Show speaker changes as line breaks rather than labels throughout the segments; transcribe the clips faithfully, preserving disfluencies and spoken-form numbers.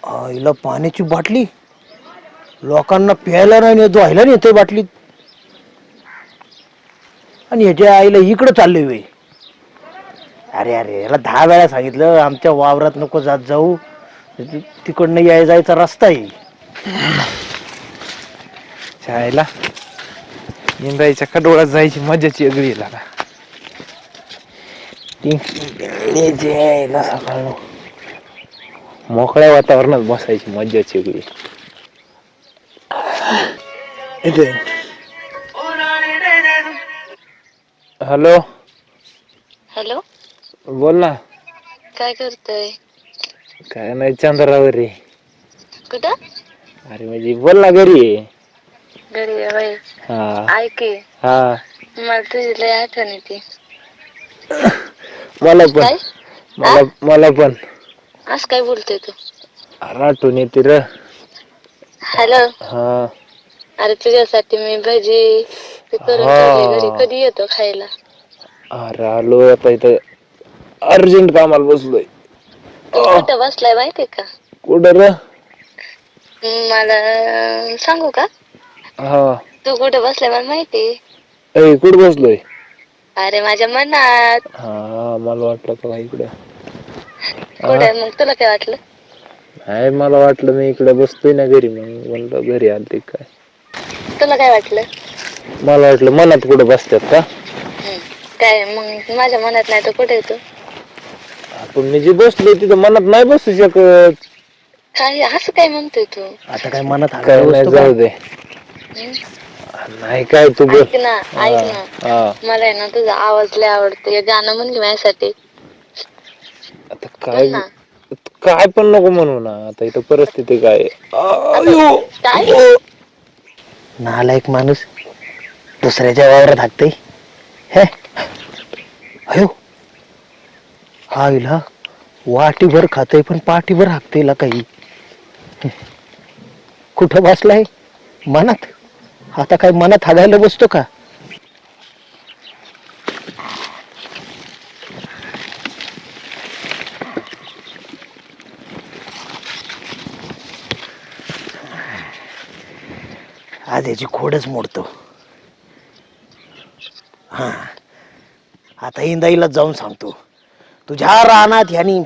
आईला पाण्याची बाटली लोकांना प्यायला नाही धुवायला नेतोय बाटलीत. आणि ह्याच्या आईला इकडं चाललोय वे. अरे अरे याला दहा वेळा सांगितलं आमच्या वावरात नको जात जाऊ, तिकडनं याय जायचा रस्ता आहे.
शाळेला इंद्रायच्या कडोळात जायची मजाची वेगळी लागा. सकाळ मोकळ्या वातावरणात बसायची मजाची वेगळी. हॅलो
हॅलो,
बोल ना.
काय करतोय?
काय नाही, चंद्रावर रे.
कुठं?
अरे म्हणजे बोल ना, घरी आहे.
घरी आहे होय.
हा
ऐक की,
हा
मला तुझी लय आठवण येते.
मला पण
काय?
मला मला पण
असं काय बोलतोय तू?
आठवण येते र.
हॅलो,
हा
अरे तुझ्यासाठी मी भजी ते करून ठेवले घरी,
हा
कधी येतो खायला?
अरे आलो आता, इथं अर्जंट कामाला बसलोय.
तू कुठं बसलाय माहितीये का?
कुठं र?
मला सांगू का?
हा,
तू कुठे बसलाय मला माहिती.
ए कुठं बसलोय?
अरे माझ्या मनात.
हा मला वाटलं का इकडं.
कुठे मग, तुला काय वाटलं?
नाही मला वाटलं मी इकडे बसतोय ना घरी, मग म्हणलं घरी आलती काय.
तुला काय वाटलं?
मला वाटलं मनात कुठं बसतात का.
काय मग माझ्या मनात नाही तर कुठे येतो?
पण मी जे बसलोय तिथं मनात नाही बसू शकत.
काय असं काय म्हणतोय तू?
आता काय मनात
काय नाही, जाऊ दे.
हम्म?
नाही काय तू बोल.
ऐक ना, ऐक ना,
हा
मला आहे ना तुझा आवाज लय आवडतो. हे गाणं म्हण की माझ्यासाठी.
आता
म्हण
काय
ना.
काय पण नको म्हणू ना, आता इथं परिस्थिती काय.
आता काय?
नालायक माणूस दुसऱ्याच्या वावरात हाकतय. हे अयो, हा इला वाटीभर खातय पण पाठीभर हाकतय काही. कुठं बसलाय? मनात. आता काय मनात हागायला बसतो का? आज याची खोडच मोडतो. हा, आता इंदाईला जाऊन सांगतो, तुझ्या रानात ह्यानी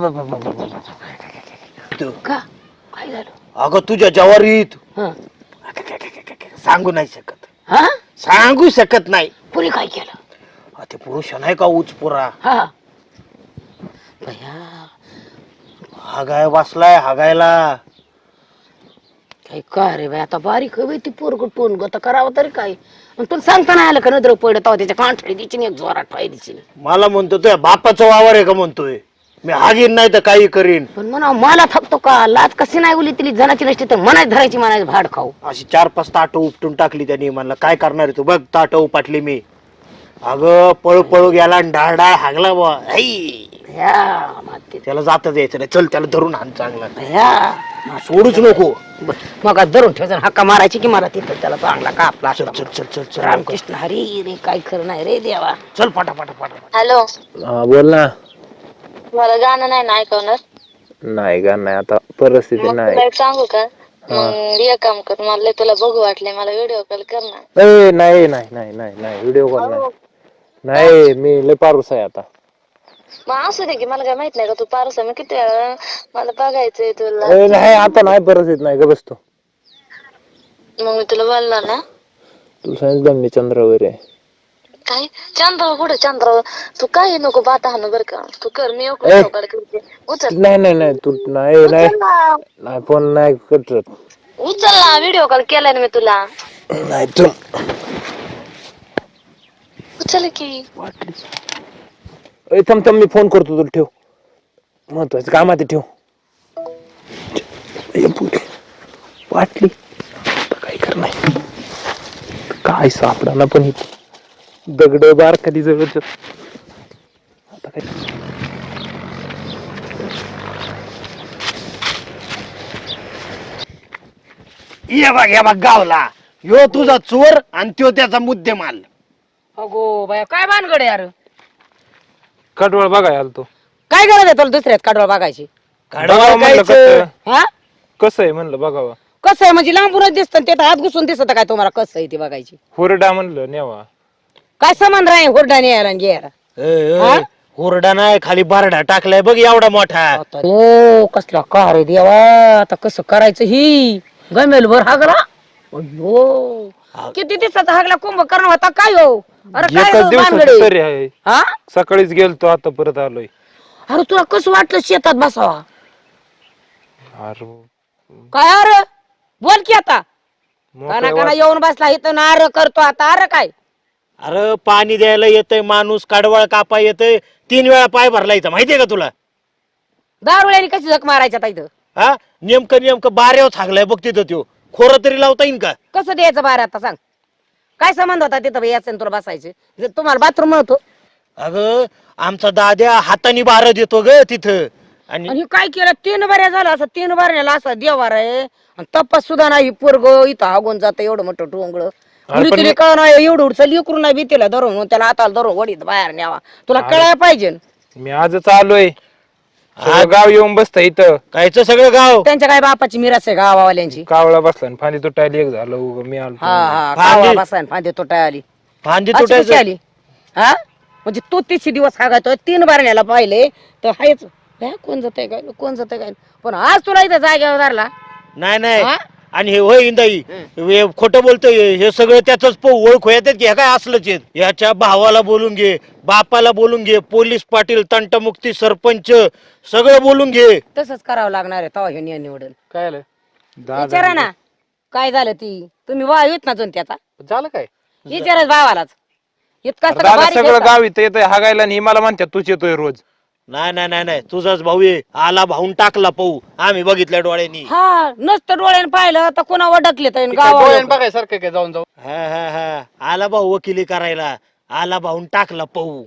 का? काय झालं?
अगं तुझ्या जवारीत
हा
सांगू नाही शकत.
हा,
सांगू शकत नाही.
पुरी काय केलं?
हा, ते पुरुष नाही का उचपुरा,
हा भया,
हागाय बसलाय हागायला.
काय का रे बाई, आता बारीक हवी ती पोरग टोन गत करावं तरी काय. तुला सांगता नाही आलं का नजर पडत त्याच्या कांठळी दिची एक जोरात पाय दिची.
मला म्हणतो तुझ्या बापाचा वावर आहे का म्हणतोय. मी हागीन नाही तर काही करीन.
पण म्हणा मला थकतो का, लाज कशी नाही उली तिली जनाची नसते तर मनाच धरायची, म्हणायचं भाड खाऊ.
अशी चार पाच ताट उपटून टाकली त्यांनी. म्हणलं काय करणार आहे तू, बघ ताट उपटली मी. अगं पळू पळू गेला आणि डाळ डाळ हागला बुवा.
भया माते,
त्याला जाता द्यायचं नाही. चल त्याला धरून आण चांगला,
भया
सोडूच नको.
मग धरून ठेवायचं, हक्का मारायची की मला तिथं त्याला चांगला कापला.
चल चल चल चल चल
रामकृष्ण हरी रे, काय खरं नाही रे देवा.
चल पाटा पाटा पाटा.
हॅलो,
हा बोल ना.
मला गाणं नाही ना ऐकवणार.
नाही का, नाही आता परिस्थिती
मग
नाही.
तुला एक सांगू का? मग एक काम कर, मला तुला बघू वाटले, मला व्हिडिओ कॉल कर ना.
ए नाही नाही नाही नाही नाही, व्हिडिओ कॉल नाही. नाही मी लय पारूस आहे आता.
मग असू दे की, मला काय माहित नाही का तू पारूस आहे. मग किती वेळा मला बघायचंय तुला.
ए नाही आता नाही परिस्थिती नाही, ग बसतो.
मग मी तुला बोललो ना,
तुला सांगितलं मी चंद्रावर आहे.
काय चंद्र कुठे चंद्र? तू काही नको बाता हाणू बर का. तू कर, मी व्हिडिओ कॉल करते. उचल.
नाही नाही नाही, तू नाही नाही
उचल ना,
नाही, फोन नाही करत.
उचल ना, व्हिडिओ कॉल केलाय ना मी तुला.
नाही तू
उचल की.
ए थांब थांब, मी फोन करतो तुला, ठेव. महत्वाचं काम आहे, ठेव. वाटली काय करणार, काय सापडा पण दगड बार कधी जवळच. आता काय
ये बघ या बघ गावला यो तुझा चोर आणि त्यो त्याचा मुद्देमाल.
अगो बाया, काय भानगड यार.
कडवळ बघाय आलो तो.
काय गरज आहे तुला दुसऱ्यात काढवा बघायची?
बघावं म्हणलं कसं
हा
कसं आहे म्हणलं बघावं.
कसं आहे म्हणजे लांबूनच दिसतं ते हात घुसून दिसत काय तुम्हाला कसं आहे ती बघायची.
हुरडा म्हणलं नेवा.
काय समान राहील हुरडाने यायला आणि घ्यायला.
ए, ए, हुरडा नाही खाली बारडा टाकलाय बघ एवढा मोठा.
हो कसला कार आहे देवा आता कसं करायचं ही गमेल भर हागला. अयो किती दिवसाचा हागला कुंभ करणं होता काय हो. अरे काय
एकच
हो
दिवसाचं
भानगडे?
तरी आहे.
हा
सकाळीच गेलतो आता परत आलोय.
अरे तुला कसं वाटलं शेतात बसावा.
अरे
काय अरे बोल की आता
मोकळ्या
काना काना येऊन बसला इथं नार करतो आता. अरे काय
अरे पाणी द्यायला येतंय माणूस, कडवळ कापा येतंय, तीन वेळा पाय भरला इथं माहितीये का तुला.
दारुळ्याने कशी झक मारायच्या आता इथं.
हा नेमकं नेमकं बाऱ्यावर थागलाय बघ तिथं त्यो. खोरं तरी लावता येईन का.
कसं द्यायचं बाहेर आता सांग. काय संबंध होता तिथं यायचं आणि तुला बसायचे जर तुम्हाला बाथरूम म्हणतो.
अगं आमचा दाद्या हाताने बारं देतो ग तिथं. आणि
आणि काय केलं तीन बऱ्या झालं असं तीन बऱ्याला असं देवार आहे आणि तपास सुद्धा नाही पोरग इथं हागून जात एवढं मोठं टोंगळ.
अरे पण
तिला कळ नाही एवढं उडचं लिकरून नाही भीतीला धरून त्याला हाताला धरून वडीत बाहेर न्यावा. तुला कळायला पाहिजे.
मी आजच आलोय. सगळं गाव येऊन बसत इथं.
कायचं सगळं गाव.
त्यांच्या काय बापाची मिरास आहे गावावाल्यांची.
कावळा बसला आणि फांदी तुटायला एक झालं उग मी आलो.
हा हा
फांदी-
गावा बसाय फांदी तुटाय आली.
फांदी
अशी कशी
तुटायचं.
आली हा म्हणजे तो तिसरी दिवस हागायतोय तीन बारण्याला पाहिले तर हायच हे कोण जातंय काय कोण जातंय काय. पण आज तुला इथं जागेवर धरला.
नाही नाही
हा?
आणि हे होय इंदाई हे खोटं बोलतोय हे सगळं त्याच ओळख येतात की हे काय असलंच आहेत. याच्या भावाला बोलून घे, बापाला बोलून घे, पोलीस पाटील, तंटमुक्ती सरपंच सगळं बोलून घे.
तसंच करावं लागणार आहे तवा हे निवडून.
काय आलं
विचारा ना काय झालं ती तुम्ही वा येत ना जण त्याचा
झालं काय
विचारच भावालाच इतका
अरे दादा सगळं गाव इथं येतंय हागायला आणि ही मला म्हणतात तूच येतोय रोज.
नाही नाही नाही नाही तुझाच भाऊ आहे. आला भाऊन टाकला पाहू आम्ही बघितल्या डोळ्यांनी.
हा नसतं डोळ्यानं पाहिलं तर कोणा वडकले तर
डोळ्यानं
गावा
बघायसारखं काय जाऊन जाऊ
हा हा हा आला भाऊ वकिली करायला. आला भाऊन टाकला पाहू.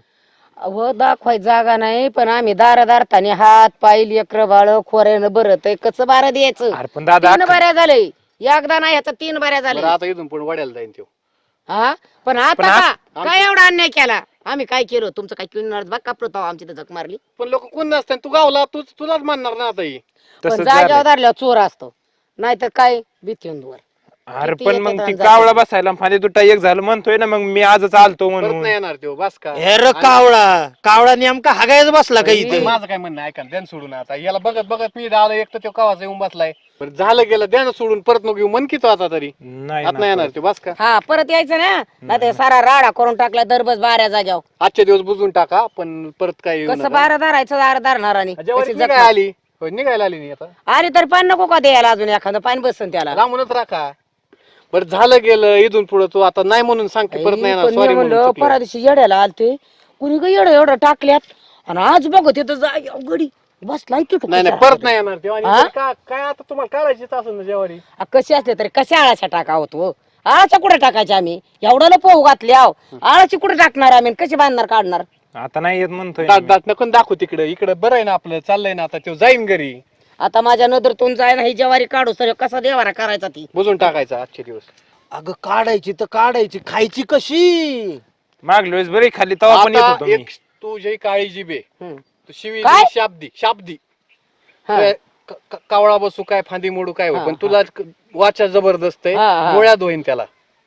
व दाखवाय जागा नाही पण आम्ही दारा दारताने हात पाय लेकर बाळ खोऱ्यानं बरत कसं बारा द्यायचं.
अरे पण दादा
तीन बऱ्या झाले एकदा नाही ह्याचा तीन बऱ्या झाले.
बरं, आता इथून पण वड्याला जाईन तो
हा पण आता का काय एवढा अन्याय केला आम्ही काय केलं तुमचं काय किणार बघ कापलो आमची तर झक मारली.
पण लोक कोण नसतात तू गावला तू तुलाच मानणार ना आता ही
पण
तसंच
जाग्यावर
झालंय.
धरल्यावर चोर असतो नाहीतर काय भीतीहून दूर.
अरे
किती
पण
येतात
मग ती
आणि
कावळा बसायला फांदी तुटा एक झालं म्हणतोय ना मग मी आजच आलतो
परत
म्हणून.
नाही येणार तो बस का
हे र कावळा कावळा नेमका हागायच बसला का
मी-
इथे.
माझं काय म्हणणं ऐका द्यान सोडून आता याला बघत बघत मी आलो एक तर तो कवाचा येऊन बसलाय. बरं झालं गेलं द्यान सोडून परत नको येऊ मन की तो आता तरी
नाही
आता नाही
ना.
येणार तो बस का
हा परत यायचं ना नाही सारा राडा करून टाकला दरबस बाऱ्या जाग्यावर.
आजचे दिवस बुजून टाका पण परत काय येऊ
कसं
नका.
बारा धरायचं दार धरणार आणि
जेवारी
कशी जख
निघाय आली होय, निघायला आली नाही आता
आली तर पाणी नको का द्यायला अजून एखादं पाणी बसन त्याला.
लांबूनच राखा. बरं झालं गेलं इथून पुढे तू आता नाही म्हणून सांगते परत नाही येणार
पण मी
सॉरी
म्हणलं
म्हणून
परा दिवशी येड्याला आलते कुणी ग येडं एवढं टाकल्यात आणि आज बघ तिथं जागी अवघडी बसलाय तिथं
नाही नाही
कशा
परत नाही येणार तेव्हा
हा?
आणि का- काय आता तुम्हाला करायचीच असेल ना जेवारी
आ, कशी असले तरी कशा आळाच्या टाका होतो आळाच्या कुठे टाकायच्या आम्ही एवढं पोहू घातले आहो आळाची कुठे टाकणार आम्ही कशी बांधणार काढणार.
आता नाही येत म्हणतोय
दाट दाट नको दाखवू तिकडे इकडे बरं आहे ना आपलं चाललंय ना आता तो जाईन घरी
आता माझ्या नजरतून जाय ना ही ज्वारी काढू सर कसा देवारा करायचा ती.
बुजून टाकायचा आजचे दिवस.
अगं काढायची तर काढायची खायची कशी.
मागल्या वेळेस बरी खाल्ली तेव्हा पण येत
आता
होतो मी.
एक तुझी काळी जिबे
हम्म.
तू शिवी
काय?
शाब्दी शाब्दी
हा.
काय क- क- कावळा बसू काय फांदी मोडू काय होय,
हा,
पण तुला क- वाचा जबरदस्त आहे
हा, हा.
डोळ्यात होईन त्याला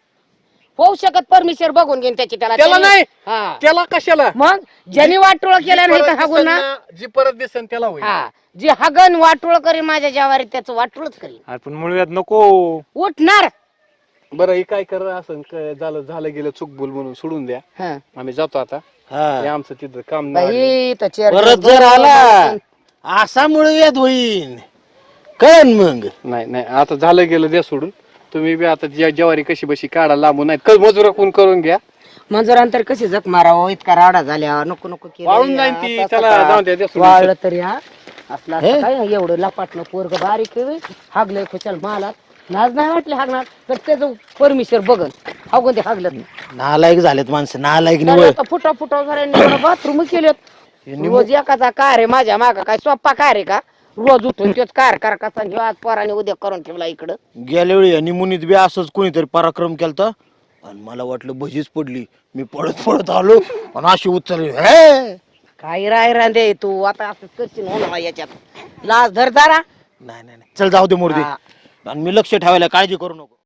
होऊ शकत परमेश्वर बघून घेईन त्याची त्याला
त्याला
त्याने-
नाही.
हा.
त्याला कशाला
मग ज्यांनी वाटोळ केलं
जी
नाही
परत
तर हागून
दिसन
ना
ना, जी परत दिसन त्याला होईल
हा जी हगन वाटोळ करीन माझ्या ज्वारीत त्याचं वाटोळच करीन
अरे पण मुळव्यात नको.
उठणार.
बरं हे काय कर असं क- झालं झालं गेलं चूक भूल म्हणून सोडून द्या
हा.
आम्ही जातो आता
हा.
हे आमचं तिथं काम नाही.
बाई तो चेअर
परत जर आला असा मुळव्याध होईन कळन मग.
नाही नाही आता झालं गेलं द्या सोडून तुम्ही बी आता ज्या- ज्वारी कशी बशी काढा लांबून नाही मजूर कोण करून घ्या
मंजुरांतर कशी जख मारावं इतका राडा झाल्या नको नको केलं
वाळून
या,
जाईन ती,
असं
त्याला
असं का?
जाऊन द्या, द्या सोडून.
वाळलं तर या असला असं काय एवढं लपाटलं पोरग बारीक आहे, हागलंय खुशाल मालात लाज नाही वाटले हागणार तर त्याचं परमेश्वर बघन हागून ते हागलं
नालायक झालेत माणसं नालायक निवड.
आता फुटा फुटा झाल्या बाथरूम केलेत रोज एकाचा कार आहे माझ्या माग काय सोप्पा कार आहे का रोज उठून तोच कार कार कसा घेऊ आज पोराने उद्या करून ठेवला इकडं.
गेल्या वेळी निमुनीत बी असंच कोणीतरी पराक्रम केलता आणि मला वाटलं भजीच पडली. मी पळत पळत आलो आणि अशी उचलली हे
काय राय रांदे तू आता असंच करशील हो ना याच्यात लाज धर जरा
नाही नाही नाही. चल जाऊ दे मूर्ती
हा.
आणि मी लक्ष ठेवायला काळजी करू नको